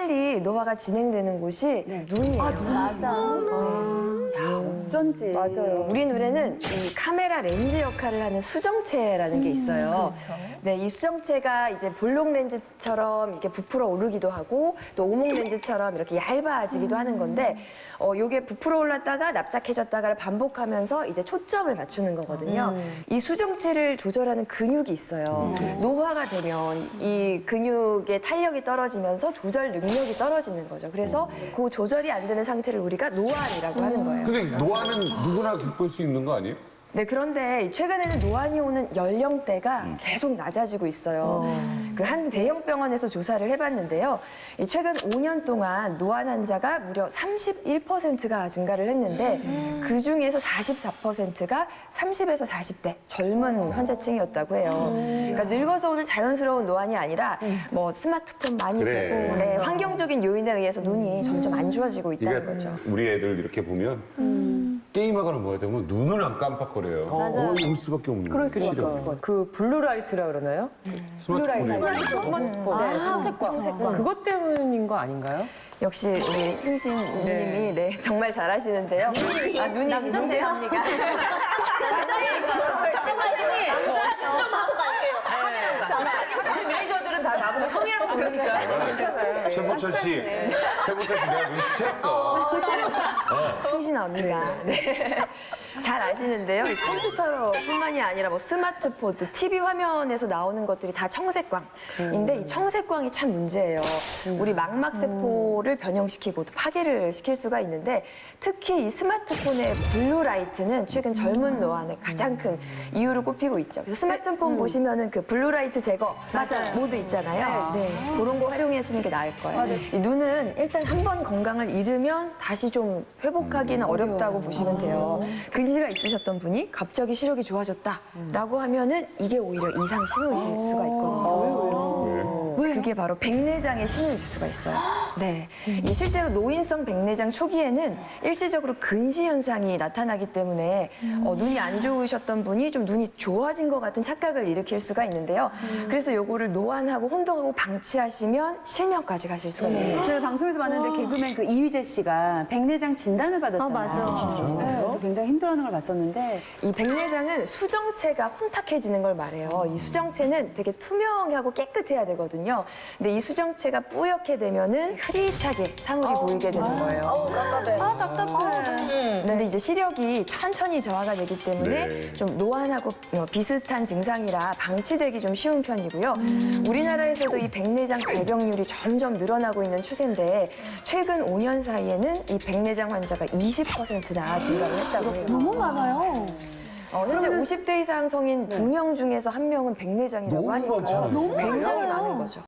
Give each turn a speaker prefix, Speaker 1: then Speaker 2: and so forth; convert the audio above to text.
Speaker 1: 빨리 노화가 진행되는 곳이 눈이에요.
Speaker 2: 맞아. 어쩐지.
Speaker 1: 맞아요. 우리 눈에는 이 카메라 렌즈 역할을 하는 수정체라는 게 있어요. 네, 이 수정체가 이제 볼록 렌즈처럼 이렇게 부풀어 오르기도 하고 또 오목 렌즈처럼 이렇게 얇아지기도 하는 건데 요게 부풀어 올랐다가 납작해졌다가를 반복하면서 이제 초점을 맞추는 거거든요. 이 수정체를 조절하는 근육이 있어요. 노화가 되면 이 근육의 탄력이 떨어지면서 조절 능력이 떨어지는 거죠. 그래서 그 조절이 안 되는 상태를 우리가 노안이라고 하는 거예요.
Speaker 3: 근데 노화는 누구나 겪을 수 있는 거 아니에요?
Speaker 1: 네, 그런데 최근에는 노안이 오는 연령대가 계속 낮아지고 있어요. 그 한 대형 병원에서 조사를 해봤는데요. 이 최근 5년 동안 노안 환자가 무려 31%가 증가를 했는데 그 중에서 44%가 30에서 40대 젊은 환자층이었다고 해요. 그러니까 늙어서 오는 자연스러운 노안이 아니라 뭐 스마트폰 많이
Speaker 3: 그래.
Speaker 1: 보고 네, 환경적인 요인에 의해서 눈이 점점 안 좋아지고 있다는 거죠.
Speaker 3: 우리 애들 이렇게 보면 게임하거나 뭐 하다 보면 눈을 안 깜빡거려요. 올 수밖에 없는 거예요. 실은.
Speaker 4: 그 블루라이트라 그러나요?
Speaker 3: 스마트폰에
Speaker 4: 스마트폰. 네, 청색광. 그것 때문인 거 아닌가요?
Speaker 1: 역시 우리 승신 님이 네, 정말 잘하시는데요. 아, 눈이 승신 언니가.
Speaker 4: 매니저들은 다 나보고 형이라고 부르니까.
Speaker 3: 최보철 씨 내가 눈치챘어.
Speaker 1: 승신 언니가. 네. 잘 아시는데요. 이 컴퓨터로뿐만이 아니라 뭐 스마트폰, 또 TV 화면에서 나오는 것들이 다 청색광인데 이 청색광이 참 문제예요. 우리 망막세포를 변형시키고 또 파괴를 시킬 수가 있는데 특히 이 스마트폰의 블루라이트는 최근 젊은 노안의 가장 큰 이유로 꼽히고 있죠. 그래서 스마트폰 보시면은 그 블루라이트 제거 모드 있잖아요. 네. 그런 거 활용하시는 게 나을 거예요. 이 눈은 일단 한 번 건강을 잃으면 다시 좀 회복하기는 어렵다고 보시면 돼요. 근시가 있으셨던 분이 갑자기 시력이 좋아졌다라고 하면은 이게 오히려 이상 신호이실 수가 있거든요. 그게 바로 백내장의 신호일 수가 있어요. 네. 이 실제로 노인성 백내장 초기에는 일시적으로 근시 현상이 나타나기 때문에 눈이 안 좋으셨던 분이 좀 눈이 좋아진 것 같은 착각을 일으킬 수가 있는데요. 그래서 요거를 노안하고 혼동하고 방치하시면 실명까지 가실 수가 있는 거예요.
Speaker 2: 저희 방송에서 봤는데 개그맨 그 이휘재 씨가 백내장 진단을 받았잖아요.
Speaker 5: 맞아.
Speaker 2: 네, 그래서 굉장히 힘들어하는 걸 봤었는데
Speaker 1: 이 백내장은 수정체가 혼탁해지는 걸 말해요. 이 수정체는 되게 투명하고 깨끗해야 되거든요. 근데 이 수정체가 뿌옇게 되면은 흐릿하게 사물이 보이게 되는 거예요.
Speaker 5: 답답해.
Speaker 1: 근데 이제 시력이 천천히 저하가 되기 때문에
Speaker 3: 네.
Speaker 1: 좀 노안하고 비슷한 증상이라 방치되기 좀 쉬운 편이고요. 우리나라에서도 이 백내장 발병률이 점점 늘어나고 있는 추세인데 최근 5년 사이에는 이 백내장 환자가 20%나 증가를 했다고 해요.
Speaker 2: 너무 많아요.
Speaker 1: 현재 50대 이상 성인 2명 중에서 1명은 백내장이라고
Speaker 3: 너무
Speaker 1: 하니까
Speaker 3: 많잖아요.
Speaker 1: 굉장히 많은 거죠.